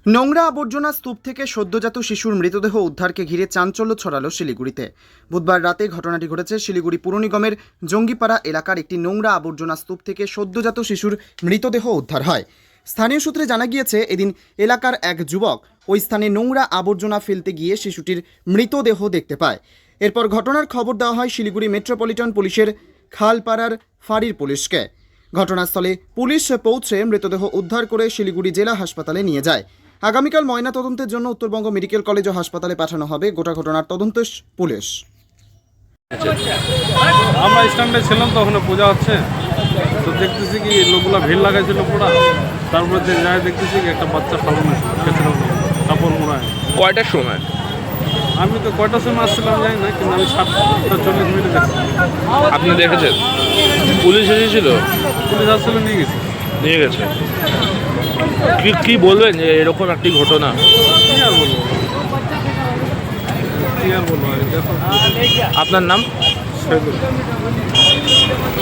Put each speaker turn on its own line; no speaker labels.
নোংরা আবর্জনা স্তূপ থেকে সদ্যজাত শিশুর মৃতদেহ উদ্ধারকে ঘিরে চাঞ্চল্য ছড়ালো শিলিগুড়িতে। বুধবার রাতে ঘটনাটি ঘটেছে শিলিগুড়ি পুর নিগমের জঙ্গিপাড়া এলাকার একটি নোংরা আবর্জনা স্তূপ থেকে সদ্যজাত শিশুর মৃতদেহ উদ্ধার হয়। স্থানীয় সূত্রে জানা গিয়েছে, এদিন এলাকার এক যুবক ওই স্থানে নোংরা আবর্জনা ফেলতে গিয়ে শিশুটির মৃতদেহ দেখতে পায়। এরপর ঘটনার খবর দেওয়া হয় শিলিগুড়ি মেট্রোপলিটন পুলিশের খালপাড়ার ফাঁড়ির পুলিশকে। ঘটনাস্থলে পুলিশ পৌঁছে মৃতদেহ উদ্ধার করে শিলিগুড়ি জেলা হাসপাতালে নিয়ে যায়। আগামীকাল ময়নাতদন্তের জন্য উত্তরবঙ্গ মেডিকেল কলেজ ও হাসপাতালে পাঠানো হবে। গোটা ঘটনার তদন্ত পুলিশ।
আমরা স্ট্যান্ডে ছিলাম তো, ওখানে পূজা হচ্ছে, তো দেখতেছি কি লোকগুলো ভিড় লাগাইছিল পুরা। তারপরে যাই দেখতেছি কি একটা বাচ্চা ফালানো কাপড় মোড়ায়।
কয়টার সময়?
আমি তো কয়টার সময় আসছিলাম জানি না, কিন্তু আমি 7:40 দেখছি।
আপনি দেখেছেন? পুলিশ এসেছিল?
পুলিশ আসলে
নিয়ে গেছে। কি বলবেন যে এরকম একটি ঘটনা?
কি আর বলবো আর দেখো।
আপনার নাম?
সেগুলো